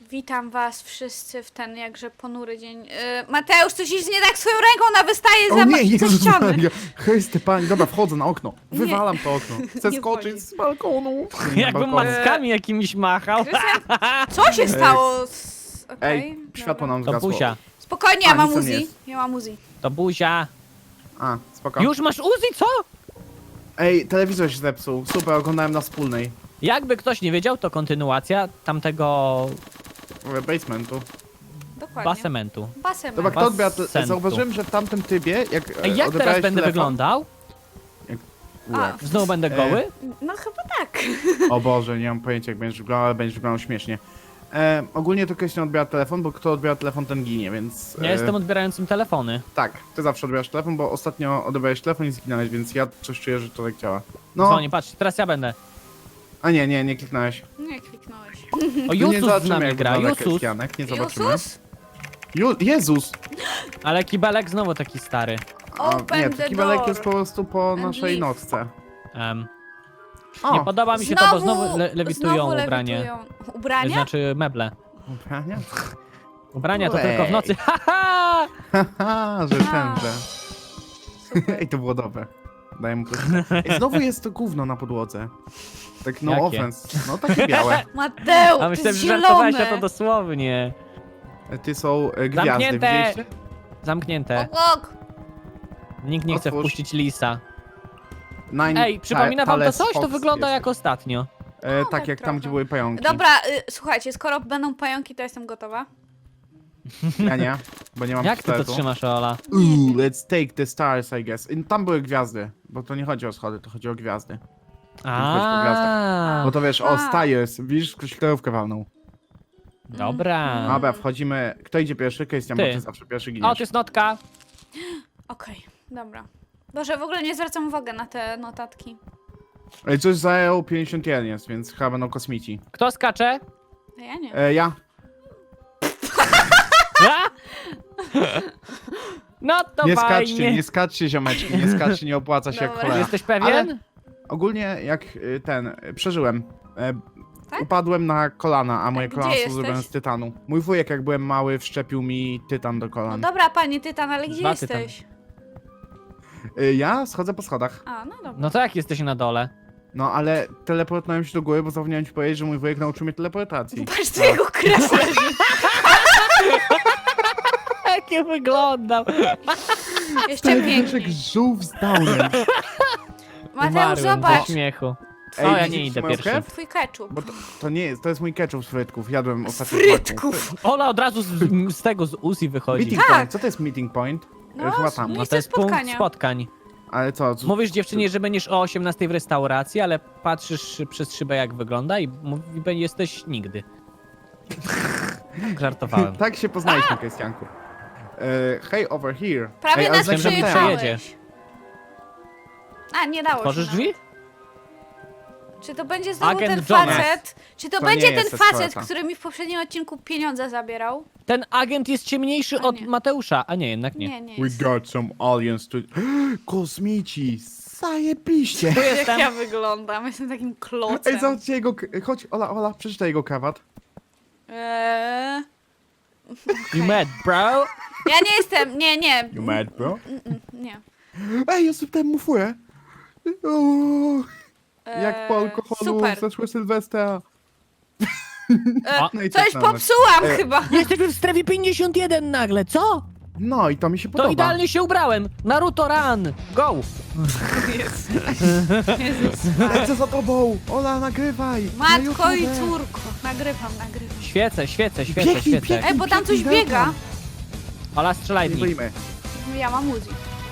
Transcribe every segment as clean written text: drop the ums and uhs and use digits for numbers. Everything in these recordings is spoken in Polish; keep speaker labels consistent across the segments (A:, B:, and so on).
A: Witam was wszyscy w ten jakże ponury dzień. Mateusz, coś jest nie tak z swoją ręką, ona wystaje
B: O
A: za,
B: nie,
A: za
B: Jezus
A: ściany.
B: Maria. Hej Stefani, dobra, wchodzę na okno. Wywalam to okno. Chcę
A: Nie
B: skoczyć
A: wchodzi.
B: z balkonu. Nie, na
C: Jakbym
B: balkonu.
C: mackami jakimiś machał.
A: Krystian, co się stało? Okej,
B: Ej, światło
A: dobra.
B: nam
C: To
B: zgasło.
C: buzia.
A: Spokojnie,
B: A,
A: ja mam
B: nic tam nie
A: Uzi.
B: jest.
A: Ja mam Uzi.
C: To buzia.
B: A, spoko.
C: Już masz Uzi, co?
B: Ej, telewizor się zepsuł. Super, oglądałem na wspólnej.
C: Jakby ktoś nie wiedział, to kontynuacja tamtego
B: Basementu.
A: Dokładnie.
C: basementu.
A: Basem.
B: Dobra, kto odbiera
C: Basentu.
B: Zauważyłem, że w tamtym trybie, jak
C: Ej, jak teraz
B: odebrałeś
C: będę
B: telefon...
C: wyglądał?
A: A,
C: Znowu będę goły?
A: no chyba tak.
B: O Boże, nie mam pojęcia jak będziesz wyglądał, ale będziesz wyglądał śmiesznie. Ogólnie to ktoś nie odbiera telefon, bo kto odbiera telefon, ten ginie, więc...
C: Ja jestem odbierającym telefony.
B: Tak, ty zawsze odbierasz telefon, bo ostatnio odebrałeś telefon i zginąłeś, więc ja coś czuję, że to tak działa. No,
C: Dzwonię, patrz, teraz ja będę.
B: a nie kliknąłeś.
A: Nie kliknąłeś.
C: O,
B: Nie
C: Jusus z
B: zobaczymy,
C: nami
B: jak
C: gra,
B: wygląda
C: Jusus.
B: Krystianek, nie zobaczymy.
A: Jusus?
B: Jezus!
C: Ale kibelek znowu taki stary.
A: Open
B: Nie,
A: the
B: taki belek
A: door.
B: jest po prostu po
A: And
B: naszej
A: leave.
B: nocce.
C: Nie
B: O,
C: podoba mi się to, bo znowu lewitują
A: znowu
C: ubranie.
A: lewitują. Ubrania?
C: Znaczy meble.
B: ubrania?
C: Ubrania to
B: Ej.
C: tylko w nocy. Haha!
B: Haha, że tenże.
A: Super.
B: Ej, to było dobre. Daję mu plus. Ej, znowu jest to gówno na podłodze. Tak no
C: Jakie?
B: offense. No takie białe.
A: Mateusz,
C: A
A: to
C: myślałem,
A: jest
C: że żartowałeś
A: zielone.
C: na to dosłownie.
B: Ty są gwiazdy,
C: Zamknięte.
B: widzieliście?
C: Zamknięte.
A: Ok.
C: Nikt nie chce
B: Otwórz.
C: wpuścić lisa.
B: Nine
C: Ej, przypomina wam to
B: Thales
C: coś? To
B: Fox
C: wygląda
B: jest.
C: jak ostatnio.
B: Tak,
A: tak
B: jak tam,
A: trochę.
B: gdzie były pająki.
A: Dobra, słuchajcie, skoro będą pająki, to jestem gotowa.
B: Ja nie, bo nie mam
C: Jak ty to
B: pistoletu.
C: trzymasz, Ola?
B: Ooh, let's take the stars, I guess. I tam były gwiazdy, bo to nie chodzi o schody, to chodzi o gwiazdy.
C: A,
B: Bo to wiesz, o,
A: A.
B: stars, widzisz, ktoś kierowkę walnął.
C: dobra.
B: Dobra, wchodzimy. Kto idzie pierwszy? Krystian, bo
C: Ty.
B: ty zawsze pierwszy
C: O,
B: giniesz.
C: to jest notka.
A: Okej, dobra. Boże, w ogóle nie zwracam uwagi na te notatki.
B: Ej, coś zajął 51 jest, więc chyba będą kosmici.
C: Kto skacze?
A: A ja nie.
B: Ja.
C: A? No to
B: Nie
C: fajnie.
B: skaczcie ziomeczki, nie skaczcie, nie opłaca się jak
A: Dobra.
B: cholera.
C: Jesteś pewien?
B: Ale- Ogólnie jak przeżyłem.
A: Tak?
B: Upadłem na kolana, a moje
A: Gdzie
B: kolana są
A: jesteś?
B: zrobione z tytanu. Mój wujek jak byłem mały wszczepił mi tytan do
A: No
B: kolan.
A: dobra, panie Tytan, ale gdzie
C: Dwa
A: jesteś?
B: Ja schodzę po schodach.
A: A, no dobra.
C: No to jak jesteś na dole?
B: No ale teleportowałem się do góry, bo zapomniałem ci powiedzieć, że mój wujek nauczył mnie teleportacji.
A: Patrz, co jego kres leży.
C: Jak ja wyglądam?
A: Jeszcze piękniej.
B: żółw z downem.
A: Mateusz,
C: Umarłem ze
A: zobacz.
C: śmiechu.
B: Ej,
C: O, ja
B: widzisz
C: nie idę
B: moją
C: pierwszy.
B: krew?
A: Twój ketchup.
B: Bo to nie jest, to jest mój ketchup z frytków. Jadłem ostatnio
A: Frytków.
C: Ola od razu z tego, z Uzi wychodzi.
B: Meeting
A: Tak.
B: point, co to jest meeting point?
A: No,
B: Chyba tam.
A: nie-
C: No to jest punkt
A: spotkania.
C: spotkań.
B: Ale co?
C: Mówisz dziewczynie, że będziesz o 18 w restauracji, ale patrzysz przez szybę jak wygląda i jesteś nigdy. Żartowałem.
B: Tak się poznaliśmy, Krystianku. Hey, over here.
A: Prawie
B: Ej, ale
A: nas
C: myślałem, że mi
A: przejechałeś.
C: przejedzie.
A: A, nie dało
C: Tworzysz
A: się
C: drzwi?
A: nawet. Czy to będzie znowu
C: Agent
A: ten
C: Jonas.
A: facet? Czy to
B: To
A: będzie
B: nie
A: ten
B: jest
A: facet,
B: eskorta.
A: który mi w poprzednim odcinku pieniądze zabierał?
C: Ten agent jest ciemniejszy
A: A
C: od
A: nie.
C: Mateusza, a nie, jednak nie.
A: Nie, nie
B: We
A: jest.
B: got some aliens to... Kosmici! Zajebiście!
C: Tu
A: Jak
C: jestem.
A: ja wyglądam, jestem takim klocem.
B: Ej, zobaczcie jego... Chodź, Ola, przeczytaj jego krawat.
C: You mad, bro?
A: Ja nie jestem, nie.
B: You mad, bro?
A: Nie.
B: Ej, ja sypnąłem mu furę. O, jak po alkoholu
A: Super.
B: zeszły Sylwestra.
C: A,
B: No i
A: Coś
B: tak samo.
A: popsułam chyba.
C: Jesteśmy w strefie 51 nagle, co?
B: No i to mi się
C: To
B: podoba.
C: idealnie się ubrałem. Naruto run, go!
B: Lecę za tobą! Ola, nagrywaj! Na
A: Matko i
B: YouTube.
A: córko. Nagrywam.
C: Świecę.
B: Biegnij, biegnij.
A: Ej, bo tam coś
B: Biegnij,
A: biega.
C: Ola, strzelaj w
B: Nie
C: nich.
B: boimy.
A: Ja mam Uzi.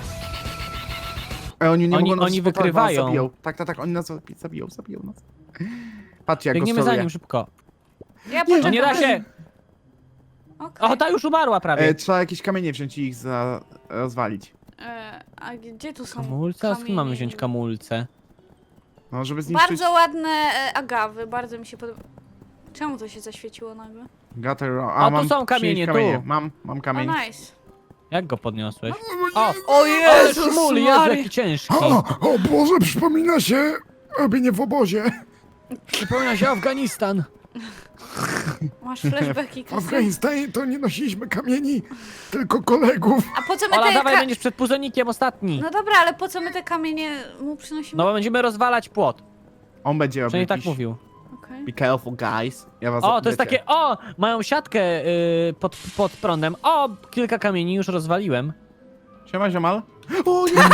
B: Ej, oni nie
C: Oni-
B: mogą nas
C: oni
B: spotować, bo nas
C: wykrywają.
B: Zabiją. Tak, oni nas zabiją nas. Patrzcie, jak
C: Biegniemy
B: go
C: za
B: steruję.
C: nim szybko.
A: Ja
B: Nie,
A: poczekam.
C: No nie da się!
A: Okej.
C: O, ta już umarła prawie.
B: Trzeba jakieś kamienie wziąć i ich rozwalić.
A: A gdzie tu są
C: Kamulce? A skąd mamy
A: kamienie?
C: wziąć kamulce?
B: No, żeby zniszczyć...
A: Bardzo ładne agawy, bardzo mi się podoba. Czemu to się zaświeciło nagle?
B: Gutter...
C: O, tu
B: mam
C: są kamienie,
B: 30
C: tu.
B: Mam
A: O,
B: kamień.
A: nice.
C: Jak go podniosłeś? O,
A: O
C: ale
A: Jezus
C: szmul, Jezu,
A: Maria.
C: jaki ciężki.
B: O Boże, przypomina się robienie w obozie.
C: Przypomina się Afganistan.
A: Masz flashbacki,
D: W
A: Krystian.
D: Afganistanie to nie nosiliśmy kamieni, tylko kolegów.
A: A po co my
C: Ola,
A: te...
C: dawaj, będziesz przed puzonikiem ostatni.
A: No dobra, ale po co my te kamienie mu przynosimy?
C: No bo będziemy rozwalać płot.
B: On będzie robił
C: Przynajmniej tak
B: jakiś...
C: mówił.
A: Okej.
B: Be careful, guys. Ja was
C: O, to jest
B: wiecie.
C: takie, mają siatkę pod prądem. O, kilka kamieni już rozwaliłem.
B: Siema, ziomal. O nie!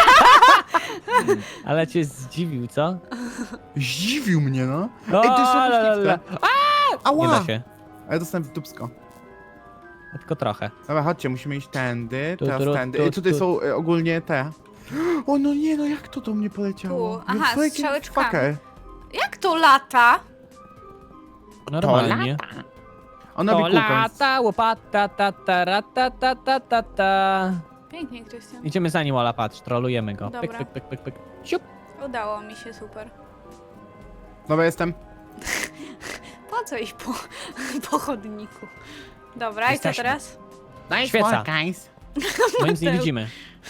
C: Ale cię zdziwił, co?
B: Zdziwił mnie, no.
C: O,
B: Ej, to jest
C: la, la, la.
B: myśliwce. Ała!
C: Nie da się.
B: A ja dostałem w dupsko.
C: Tylko trochę.
B: Dobra, chodźcie, musimy iść tędy,
C: Tu,
B: teraz
C: tu,
B: tędy.
C: tu,
B: Ej, tutaj
C: tu.
B: są ogólnie te... O, no nie, no jak to do mnie poleciało?
A: Tu. Aha,
B: You freaking
A: strzałeczkami.
B: fucker.
A: Jak to lata?
C: Normalnie.
B: Ona
C: To
B: robi kółko, więc...
C: lata, łopata, ta, ta, ra, ta, ta, ta, ta, ta.
A: Pięknie, Krystian.
C: Idziemy za nim, Ola, patrz, trolujemy go. Pyk,
A: Dobra.
C: pyk, pyk, pyk, pyk. Siup.
A: Udało mi się, super.
B: Dobra, jestem.
A: Po co iść po chodniku? Dobra,
C: Jesteśmy.
A: i co teraz?
B: Nice
C: Świeca.
B: work, guys.
C: Bo nic nie
A: Mateusz.
C: widzimy.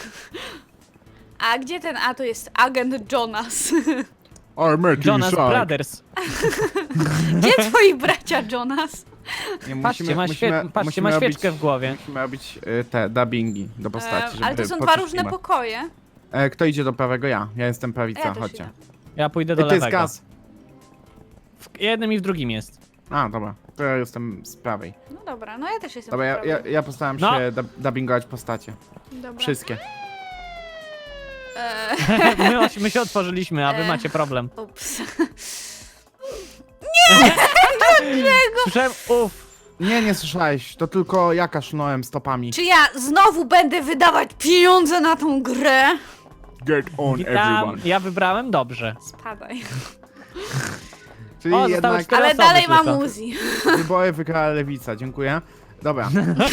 A: A gdzie ten? A, to jest agent Jonas.
B: Armor
C: Jonas Brothers.
A: Gdzie twoi bracia Jonas?
B: Nie,
C: Patrzcie, patrzcie, ma świeczkę w głowie.
B: Musimy robić te dubbingi do postaci, żeby
A: Ale to są dwa
B: poczuć
A: różne
B: klimat.
A: pokoje.
B: Kto idzie do prawego? Ja. Ja jestem prawica,
A: Ja też
B: chodźcie.
A: idę.
C: Ja pójdę do
B: Ej, to jest
C: lewego.
B: gaz.
C: W jednym i w drugim jest.
B: A, dobra. To ja jestem z prawej.
A: No dobra, no ja też jestem
B: Dobra,
A: po
B: ja
A: prawej.
B: ja postaram
C: No.
B: się dubbingować postacie.
A: Dobra.
B: Wszystkie.
C: My się otworzyliśmy, a wy macie problem.
A: Ups.
C: Słyszałem,
B: Nie słyszałeś. To tylko ja kaszlnąłem stopami.
A: Czy ja znowu będę wydawać pieniądze na tą grę?
B: Get on,
C: witam. Ja wybrałem dobrze.
A: Spadaj.
B: Czyli
C: O, zostały
B: jednak
C: 4
A: Ale
C: osoby
A: dalej mam
C: tylko.
A: Uzi.
B: wybory wygrała lewica. Dziękuję. Dobra.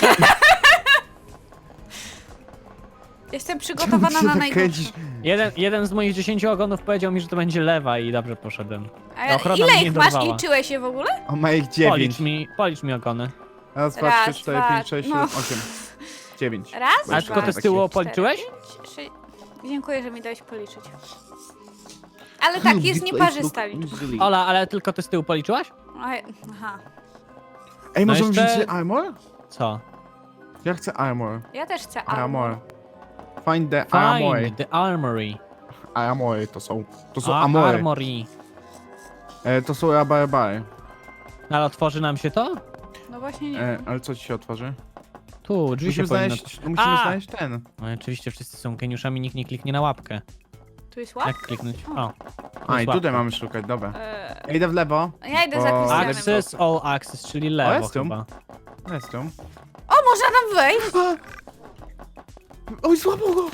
A: Jestem przygotowana na najgorsze.
B: kręcisz?
C: Jeden z moich 10 ogonów powiedział mi, że to będzie lewa i dobrze poszedłem.
A: A
C: ochrona
A: ile
C: mnie nie
A: ich masz?
C: dorwała.
A: Liczyłeś je w ogóle?
B: O, ma ich 9.
C: Policz mi ogony.
B: Raz, dwa,
A: Raz,
B: 3, 4,
A: dwa,
B: 5, 6, 7,
A: no.
B: 8. 9.
A: Raz,
C: A
B: Masz
C: tylko
A: dwa,
C: te z tyłu
B: właściwie.
C: policzyłeś?
A: pięć, sześć. Dziękuję, że mi dałeś policzyć. Ale tak, jest nieparzysta liczba.
C: Ola, ale tylko ty z tyłu policzyłaś?
A: Aha,
B: Ej,
C: No
B: możemy
C: jeszcze-
B: wziąć armor?
C: Co?
B: Ja chcę armor.
A: ja też chcę
B: Armor. Find the armor.
C: Find the armory.
B: Armory to są amory.
C: Armory.
B: To są rabarbary.
C: Ale otworzy nam się to?
A: No właśnie nie wiem.
B: Ale co ci się otworzy?
C: Tu, drzwi się
B: Musimy
C: powinno...
B: musimy
C: A!
B: znaleźć ten.
C: No oczywiście wszyscy są geniuszami, nikt nie kliknie na łapkę.
A: Tu jest
C: Jak
A: łap?
C: kliknąć? O.
B: A, i
C: łapka.
B: tutaj mamy szukać, dobra.
A: Eee,
B: Ja idę w lewo.
A: ja idę za
B: O,
A: Krystianem.
C: Access, all access, czyli lewo
B: jest tu.
C: chyba.
B: Jest tu.
A: O, można tam wejść!
B: Oj, złapał go!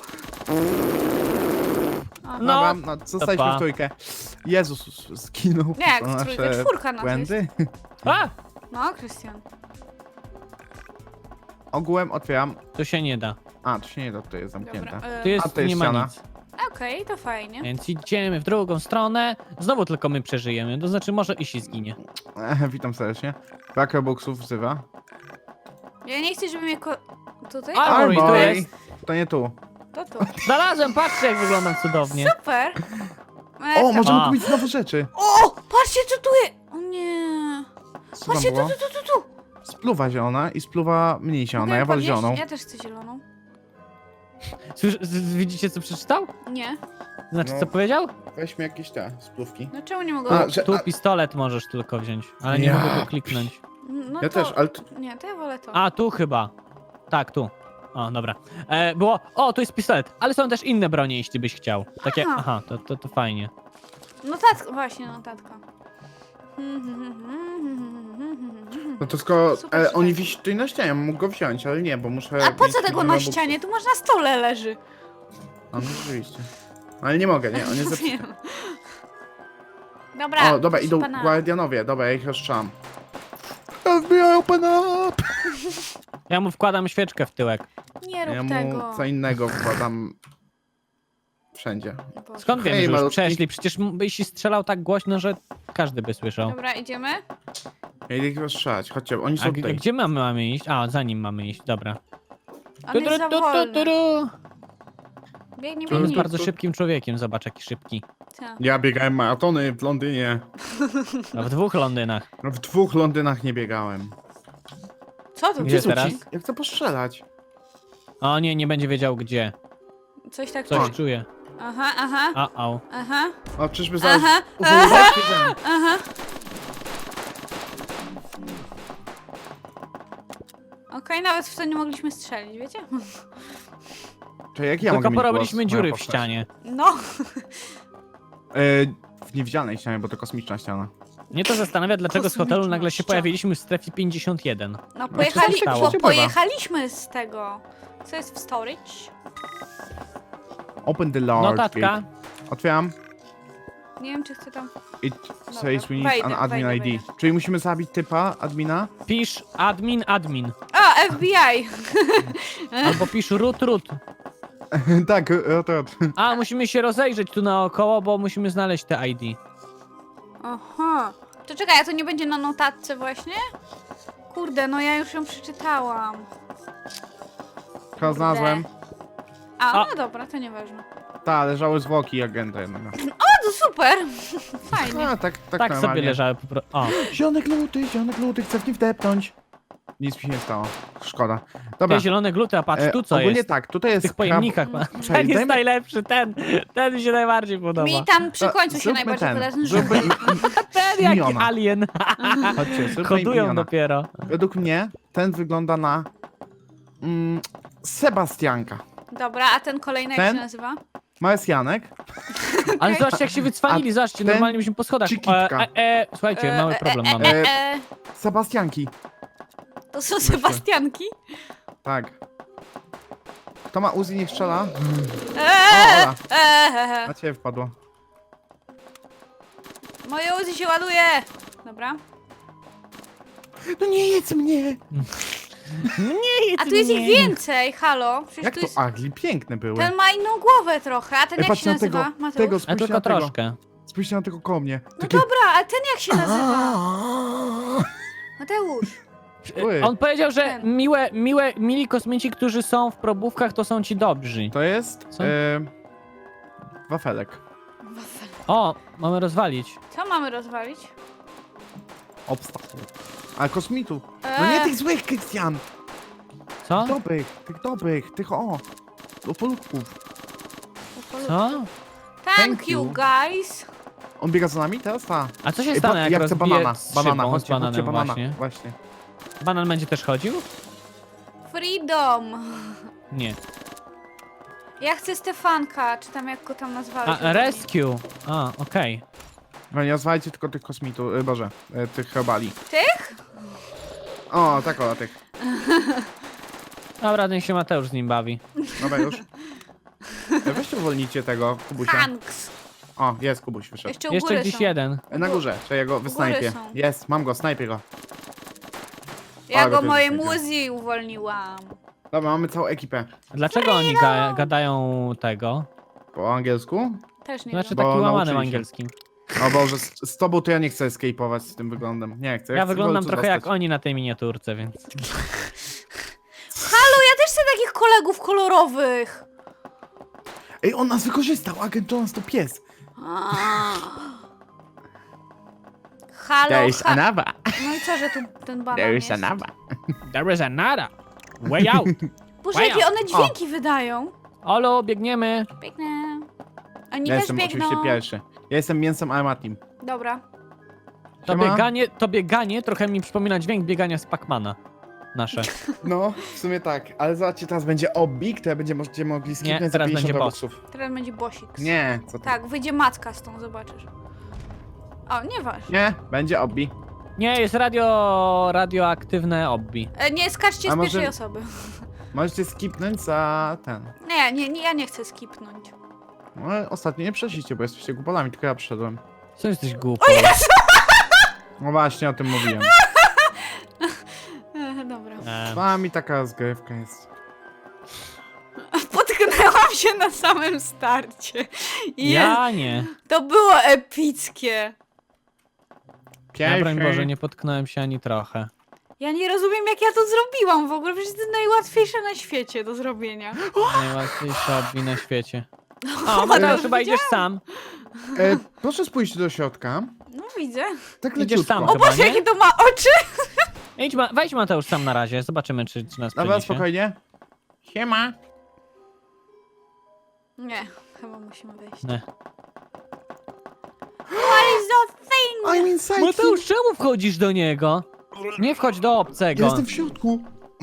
C: No,
B: Dobra, no zostaliśmy
C: pa.
B: w trójkę. Jezus, zginął.
A: Nie, jak
B: To
A: w trójkę,
B: nasze
A: czwórka nas
B: błędy.
C: A!
A: No, Krystian.
B: Ogółem otwieram.
C: To się nie da.
B: A, to się nie da, tutaj jest zamknięte.
A: Dobra.
C: Tu jest,
B: A, to jest
C: nie ma
B: ściana.
C: nic.
A: Okej, to fajnie.
C: Więc idziemy w drugą stronę. Znowu tylko my przeżyjemy, to znaczy może i się zginie.
B: Witam serdecznie. Brak Robuxów wzywa.
A: Ja nie chcę, żeby mnie tutaj?
C: A, Armory, tu
B: Armory.
C: jest.
B: To nie tu.
A: To tu.
C: Znalazłem, patrzcie jak wyglądam cudownie.
A: Super!
B: O, możemy
C: A.
B: kupić znowu rzeczy.
A: O! Patrzcie, co tu jest! O nie!
B: Co tam
A: Patrzcie,
B: było?
A: tu!
B: Spluwa zielona i spluwa mniej zielona.
A: Mogę
B: Ja wolę
A: podnieść?
B: zieloną.
A: Ja też chcę zieloną.
C: Widzicie co przeczytał?
A: Nie.
C: Znaczy
B: No.
C: co powiedział?
B: Weźmy jakieś te spluwki.
A: No czemu nie mogę?
B: A, że,
C: Tu pistolet możesz tylko wziąć, ale nie
B: Ja.
C: mogę go kliknąć.
A: No
B: ja
A: to...
B: też, ale
A: Nie, to ja wolę to.
C: A, tu chyba. Tak, tu. O, dobra. Było, o, tu jest pistolet, ale są też inne bronie, jeśli byś chciał. Takie,
A: Aha.
C: aha, to fajnie.
A: Notatka, właśnie notatka.
B: no to skoro
A: Super,
B: oni
A: super.
B: wisi tutaj na ścianie, mógł go wziąć, ale nie, bo muszę...
A: A po
B: mieć
A: co tego
B: milion
A: na
B: Robuxów.
A: ścianie? Tu masz na stole leży.
B: A, no rzeczywiście. Ale nie mogę, nie, on jest zepsuty.
A: Wiem. Dobra,
B: O, dobra,
A: proszę
B: idą
A: pana.
B: guardianowie, dobra, ja ich rozstrzałam. FBI, open up!
C: Ja mu wkładam świeczkę w tyłek.
A: Nie rób
B: Ja mu
A: tego.
B: co innego wkładam wszędzie.
A: Boże.
C: Skąd wiemy,
B: Hej,
C: że już
B: malutki.
C: przeszli? Przecież byś strzelał tak głośno, że każdy by słyszał.
A: Dobra, idziemy?
B: Ja idę ich rozstrzelać, chodźcie, oni
C: A
B: są tutaj.
C: gdzie mamy iść? A, za nim mamy iść, dobra.
A: On jest za wolny. Biegnie,
B: To
C: On jest
A: biegnie.
C: bardzo szybkim człowiekiem, zobacz jaki szybki.
A: Co?
B: Ja biegałem maratony w Londynie.
C: No, w 2 Londynach.
B: No, w 2 Londynach nie biegałem.
A: Co to?
C: Gdzie
A: Gdzie
C: teraz?
B: Ja chcę postrzelać.
C: O nie, nie będzie wiedział gdzie.
A: Coś tak
C: Coś
A: czuję.
C: czuje.
A: Aha, aha,
C: A-au.
A: aha,
B: O, czyżby zaraz...
A: aha,
B: Aha.
A: aha. Okej, nawet w to nie mogliśmy strzelić, wiecie?
B: To jak ja
C: Tylko
B: mogę mieć
C: porobiliśmy
B: głos?
C: dziury
B: Moja
C: w
B: postać.
C: ścianie.
A: No.
B: W niewidzialnej ścianie, bo to kosmiczna ściana.
C: Mnie to zastanawia, dlaczego z hotelu nagle się
A: Kosmiczna
C: pojawiliśmy w strefie 51.
A: No
B: coś się stało?
A: pojechaliśmy z tego. Co jest w storage?
B: Open the large
C: Notatka.
B: gate. Otwieram.
A: Nie wiem, czy chcę tam...
B: It says we need
A: Wejdę,
B: an admin
A: wejdę,
B: ID. Czyli musimy zabić typa, admina?
C: Pisz admin.
A: O, FBI!
C: Albo pisz root.
B: Tak, to.
C: A, musimy się rozejrzeć tu naokoło, bo musimy znaleźć te ID.
A: Aha. To czekaj, a to nie będzie na notatce właśnie? Kurde, no ja już ją przeczytałam.
B: Chyba znalazłem.
A: A,
C: A.
A: no dobra, to nieważne.
B: Tak, leżały zwłoki agenta jednego.
A: O, to super! Fajnie.
B: A, tak
C: Tak sobie
B: normalnie.
C: leżały po prostu. O,
B: Zionek luty, chcę w nie wdepnąć. Nic mi się nie stało. Szkoda. Dobra.
C: te zielone gluty, a patrz tu co
B: ogólnie
C: jest.
B: tak, tutaj
C: W
B: jest
C: tych pojemnikach. Ten
B: Czekaj,
C: jest
B: dajmy-
C: najlepszy, ten mi się najbardziej podoba.
A: Mi tam przy
B: To
A: końcu się
B: zróbmy
A: najbardziej podoba ten
B: Zróbmy
A: żółty.
C: Ten jaki
B: miniona.
C: alien.
B: Chodźcie, zróbmy
C: Kodują
B: miniona.
C: dopiero.
B: Według mnie ten wygląda na Sebastianka.
A: Dobra, a ten kolejny jak
B: Ten?
A: się nazywa?
B: Marsjanek.
C: Ale zobaczcie jak się wycwalili, zobaczcie,
B: ten
C: normalnie byśmy po schodach.
B: czy kitka?
C: Słuchajcie, mały problem mamy.
B: Sebastianki.
A: To są Sebastianki?
B: Tak. Kto ma Uzi, niech strzela. O,
A: Eee,
B: Ola, na ciebie wpadło.
A: Moje Uzi się ładuje! Dobra.
B: No nie jedz mnie!
A: A tu jest ich więcej, halo. Przecież
B: Jak
A: tu
B: to
A: jest...
B: agli? Piękne były.
A: Ten ma inną głowę trochę, a ten jak
B: patrz
A: się
B: na tego,
A: nazywa? Mateusz?
B: tego,
C: A
B: spójrzcie
C: tylko
B: na tego.
C: troszkę.
B: Spójrzcie na tego koło mnie.
A: No
B: Takie...
A: dobra, a ten jak się nazywa? Mateusz.
B: Ły.
C: On powiedział, że
A: Ten.
C: mili kosmici, którzy są w probówkach, to są ci dobrzy.
B: To jest...
C: Co?
B: Wafelek.
C: O, mamy rozwalić.
A: Co mamy rozwalić?
B: Obstacle. A kosmitów. No nie tych złych, Krystian!
C: Co?
B: Tych dobrych, tych o! Opolutków.
C: Co?
A: Thank
B: Thank
A: you,
B: you.
A: guys.
B: On biega za nami? Teraz ta.
C: A co się
B: Ej,
C: stanie, jak
B: ja chcę
C: rozbije
B: banana.
C: z
B: Banana,
C: szybą, z
B: chodźcie, chodźcie,
C: bananem
B: banana.
C: właśnie?
B: Właśnie.
C: Banan będzie też chodził?
A: Freedom.
C: Nie.
A: Ja chcę Stefanka, czy tam jak go tam nazwałeś.
C: A, rescue. A, okej.
B: No nie nazwajcie tylko tych kosmitów, Boże, tych robali.
A: Tych?
B: O, tak o, tych.
C: Dobra, niech się Mateusz z nim bawi.
B: Dobra już. Weźcie uwolnijcie tego, Kubusia.
A: Hanks.
B: O, jest Kubuś, wyszedł.
A: Jeszcze u
C: Jeszcze
A: góry
C: gdzieś
A: są.
C: jeden.
B: Na górze, czy ja go wysnajpię.
A: są.
B: Jest, mam go, snajpię go.
A: Ja
B: Ale
A: go
B: ty
A: moim
B: jesteś.
A: Uzi uwolniłam.
B: Dobra, mamy całą ekipę.
C: Dlaczego oni gadają tego?
B: Po angielsku?
A: Też nie
C: Znaczy
A: wiem.
B: Bo
C: takim łamanym
B: nauczyli się.
C: angielskim.
B: O Boże, z tobą to ja nie chcę escape'ować z tym wyglądem. Nie chcę.
C: Ja
B: chcę
C: wyglądam
B: w końcu
C: trochę jak
B: dostać.
C: oni na tej miniaturce, więc...
A: Halo, ja też chcę takich kolegów kolorowych.
B: Ej, on nas wykorzystał, agent Jones to pies.
A: Halo,
C: another.
A: No i co, że tu ten banan
C: There
A: jest?
C: is another. There is another. Way out.
A: Boże,
C: Wow.
A: jakie one dźwięki wydają.
C: Olo, biegniemy.
A: Biegnę. Oni
B: Ja
A: też
B: jestem
A: biegną.
B: oczywiście pierwszy. Ja jestem mięsem Armatim.
A: Dobra.
B: Siema.
C: To bieganie trochę mi przypomina dźwięk biegania z Pacmana. Nasze.
B: No, w sumie tak, ale zobaczcie, teraz będzie obbi, które będziecie mogli skipnąć za
C: teraz
B: 50
C: będzie boss.
B: robuxów.
A: Teraz będzie bosik.
B: Nie, co ty?
A: Tak, wyjdzie matka z tą, zobaczysz. O, nieważne.
B: Nie, będzie obbi.
C: Nie, jest radioaktywne obbi.
A: Nie, skaczcie
B: A
A: z
B: może-
A: pierwszej osoby.
B: Możecie skipnąć za ten.
A: Nie, ja nie chcę skipnąć.
B: No, ostatnio nie przeszliście, bo jesteście głupolami, tylko ja przyszedłem.
C: Co jesteś głupi?
B: No właśnie, o tym mówiłem.
A: Dobra.
B: Z wami taka rozgrywka jest.
A: Potknęłam się na samym starcie.
C: Ja nie.
A: To było epickie.
C: Ja, broń Boże, nie potknąłem się ani trochę.
A: Ja nie rozumiem, jak ja to zrobiłam w ogóle, przecież to jest najłatwiejsze na świecie do zrobienia.
C: Najłatwiejsza hobby na świecie. O, Mateusz, chyba idziesz sam.
B: Proszę spójrzcie do środka.
A: No widzę.
B: Tak
C: Idziesz
B: leciutko.
C: sam
A: O
C: chyba,
A: Boże,
C: nie?
A: jakie to ma oczy!
C: Wejdź Mateusz sam na razie, zobaczymy czy nas
B: Dobra,
C: przeniesie.
B: spokojnie. Siema.
A: Nie, chyba musimy wejść.
C: Nie.
A: What is that thing?
B: I'm inside.
C: Mateusz, czemu wchodzisz do niego? Nie wchodź do obcego.
B: Ja jestem w środku.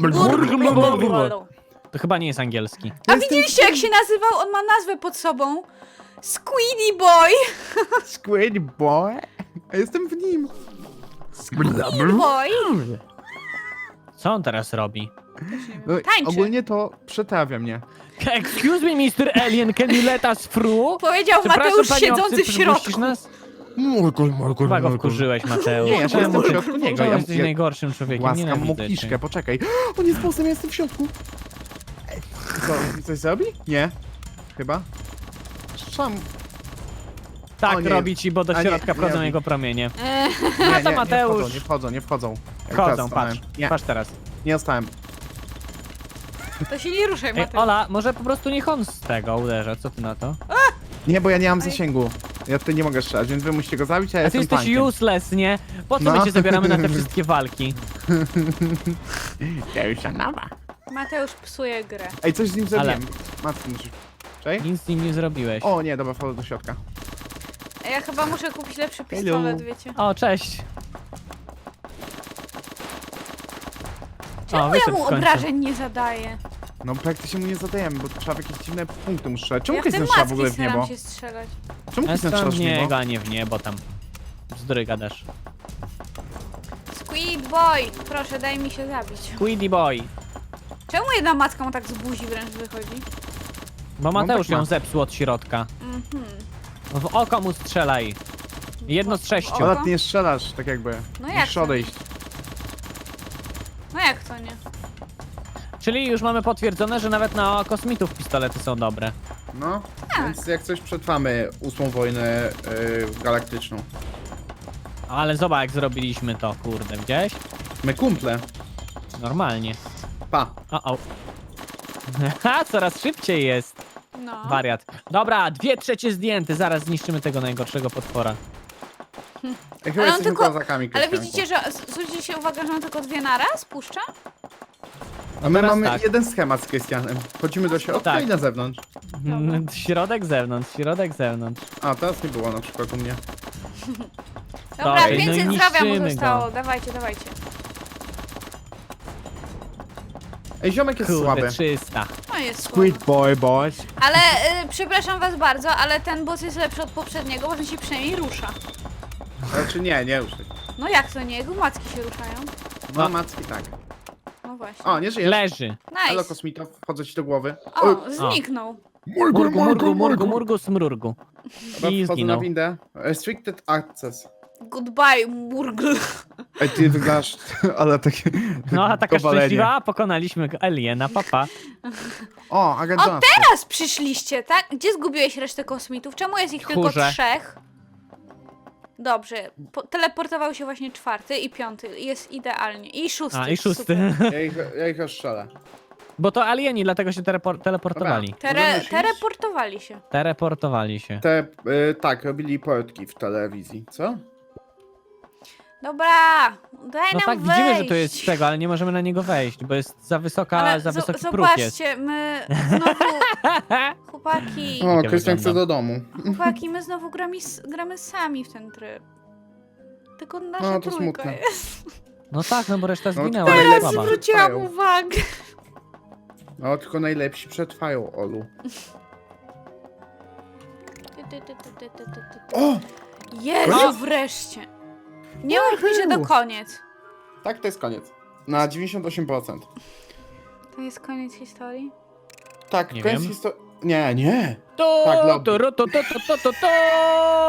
C: To chyba nie jest angielski.
A: A widzieliście, jak się nazywał? On ma nazwę pod sobą. Squiddy Boy.
B: Squid boy. A jestem w nim.
A: Squid Boy.
C: Co on teraz robi?
B: No,
A: Tańczy.
B: ogólnie to przetrawia mnie.
C: Excuse me, Mr. Alien, can you let us through?
A: Powiedział
C: Przepraszam,
A: Mateusz
C: panie
A: siedzący
C: obcy,
A: w
C: przepuścisz
A: środku.
C: nas?
D: Morgul.
C: Chyba go wkurzyłeś, Mateusz.
B: Nie, ja
C: Czemu
B: jestem w
C: ty-
B: środku niego.
C: czemu
B: Ja
C: jesteś najgorszym człowiekiem,
B: Łaskam mu
C: nienawidzę
B: kiszkę,
C: cię.
B: poczekaj. On jest bossem, ja jestem w środku. Co, coś zrobi? Nie. Chyba. Sam.
C: Tak
B: O nie.
C: robi ci, bo do
B: A nie,
C: środka
B: nie
C: wchodzą
B: robi.
C: jego promienie.
B: Nie,
C: to
B: nie,
C: Mateusz.
B: Nie wchodzą, nie wchodzą. Jak
C: Chodzą,
B: teraz
C: patrz.
B: stanąłem. Nie,
C: Patrz teraz.
B: nie dostałem.
A: To się nie ruszaj,
C: Ej,
A: Mateusz.
C: Ola, może po prostu niech on z tego uderza, co ty na to?
B: Nie, bo ja nie mam zasięgu. Ja tutaj nie mogę strzelać, więc wy musicie go zabić, a ja
C: A ty
B: jestem
C: jesteś
B: tankiem.
C: useless, nie? Po co
B: No.
C: my cię zabieramy na te wszystkie walki?
B: Ja już nowa.
A: Mateusz psuje grę.
B: Ej, coś z nim zrobiłem. Matko, musisz... Czekaj.
C: Nic z nim nie zrobiłeś.
B: O nie, dobra, wchodzę do środka.
A: Ja chyba muszę kupić lepszy pistolet, wiecie.
C: O, cześć.
A: Czemu ja
C: wyszedł
A: mu
C: w końcu.
A: obrażeń nie zadaję?
B: No praktycznie mu nie zadajemy, bo trzeba w jakieś dziwne punkty mu strzelać. Czemu
A: Ja w te
B: Krystian strzela w ogóle
A: macki
B: w niebo?
A: staram się strzelać.
B: Czemu
C: Ja
B: Krystian
C: stąd
B: strzela w niebo?
C: niego, a nie w niebo tam. Bzdury gadasz.
A: Squid Boy, proszę daj mi się zabić.
C: Quiddy boy.
A: Czemu jedna macka mu tak z buzi wręcz wychodzi?
C: Bo Mateusz
B: tak ma.
C: ją zepsuł od środka.
A: Mhm.
C: W oko mu strzelaj. Jedno z 6.
A: Oko?
B: Ale ty nie strzelasz, tak jakby.
A: No jak
B: Musisz
A: to?
B: odejść.
A: No jak to nie?
C: Czyli już mamy potwierdzone, że nawet na kosmitów pistolety są dobre.
B: No,
A: Tak.
B: więc jak coś przetrwamy 8. wojnę galaktyczną.
C: Ale zobacz jak zrobiliśmy to, kurde, widziałeś?
B: My kumple.
C: Normalnie.
B: Pa.
C: O. Haha, coraz szybciej jest.
A: No.
C: Wariat. Dobra, 2/3 zdjęte, zaraz zniszczymy tego najgorszego potwora.
B: Ja chyba
A: Ale on
B: jesteśmy
A: tylko-
B: kozakami,
A: Ale
B: Krystianku.
A: widzicie, że zwróćcie uwagę, że on tylko dwie naraz puszcza?
B: A my
C: teraz
B: mamy
C: tak.
B: jeden schemat z Krystianem. Wchodzimy do środka
C: Tak.
B: i na zewnątrz.
C: Środek, zewnątrz, środek, zewnątrz.
B: A, teraz nie było na przykład u mnie.
A: Dobra,
C: Dobra, no i
A: 500 zdrowia mu
C: niszczymy
A: zostało.
C: go.
A: Dawajcie, dawajcie.
B: Ej, ziomek jest
C: Kurde,
B: słaby.
C: 300.
A: No jest słabo.
B: boy, boys.
A: Ale przepraszam was bardzo, ale ten boss jest lepszy od poprzedniego, bo on się przynajmniej rusza.
B: Znaczy nie ruszaj.
A: No jak to nie? Jego macki się ruszają.
B: No, macki tak.
A: No właśnie.
B: O, nie żyjesz.
C: Leży.
B: Halo,
A: Nice.
B: kosmito, wchodzę ci do głowy.
A: O, zniknął.
C: Murgu, smrurgu.
B: Dobra,
C: I
B: wchodzę na
C: zginął.
B: windę. Restricted access.
A: Goodbye, Murgl.
B: Ej, ty wyglądasz, ale takie...
C: No, a taka
B: powalenie.
C: szczęśliwa, pokonaliśmy aliena, papa.
B: O, agent
A: O,
B: Johnson.
A: teraz przyszliście, tak? Gdzie zgubiłeś resztę kosmitów? Czemu jest ich tylko
C: Tchórze.
A: 3? Dobrze, teleportował się właśnie 4. i 5. Jest idealnie. I 6.
C: A, i 6.
A: Super.
B: Ja ich rozstrzelę.
C: Bo to alieni, dlatego się teleportowali.
B: Dobra. Możemy już iść?
A: Teleportowali się.
C: Teleportowali się.
B: Tak, robili portki w telewizji, co?
A: Dobra, daj
C: No
A: nam
C: tak,
A: wejść.
C: widzimy, że to jest z tego, ale nie możemy na niego wejść, bo jest za wysoka,
A: Ale
C: za wysoki próg jest.
A: zobaczcie, my znowu... Chłopaki,
B: O,
C: Jak
B: Krystian chce
C: wygląda?
B: do domu.
A: chłopaki, my znowu gramy sami w ten tryb. Tylko nasza
B: No, to
A: trójka
B: smutne.
A: jest.
C: No tak, no bo reszta
B: No,
C: zginęła,
B: teraz
C: ale
A: Teraz
C: słaba.
A: zwróciłam
B: Trwają.
A: uwagę.
B: No, tylko najlepsi przetrwają, Olu. O!
A: Jezu,
B: Koniec?
A: wreszcie. Nie mów mi, że to koniec.
B: Tak, to jest koniec. Na 98%.
A: To jest koniec historii?
B: Tak,
C: Nie
B: koniec
C: wiem.
B: historii... Nie.
C: To,
B: Tak, lobby.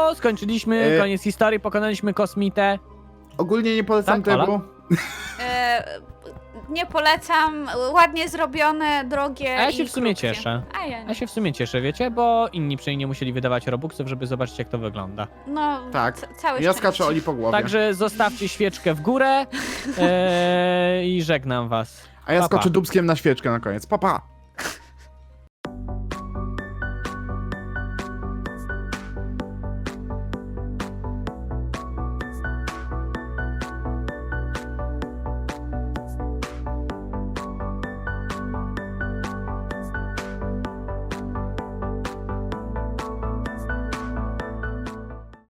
C: skończyliśmy, koniec historii, pokonaliśmy kosmitę.
B: Ogólnie nie polecam
C: Tak, Ola?
B: tego.
A: nie polecam. Ładnie zrobione, drogie
C: A ja się
A: i
C: w sumie
A: krótkie.
C: cieszę.
A: A ja nie.
C: Ja się w sumie cieszę, wiecie, bo inni przynajmniej nie musieli wydawać robuxów, żeby zobaczyć jak to wygląda.
A: No,
B: Tak.
A: całe
B: Ja
A: szczęście.
B: skaczę Oli po głowie.
C: Także zostawcie świeczkę w górę i żegnam was.
B: A ja
C: Pa, pa.
B: skoczę dubskiem na świeczkę na koniec. Pa, pa.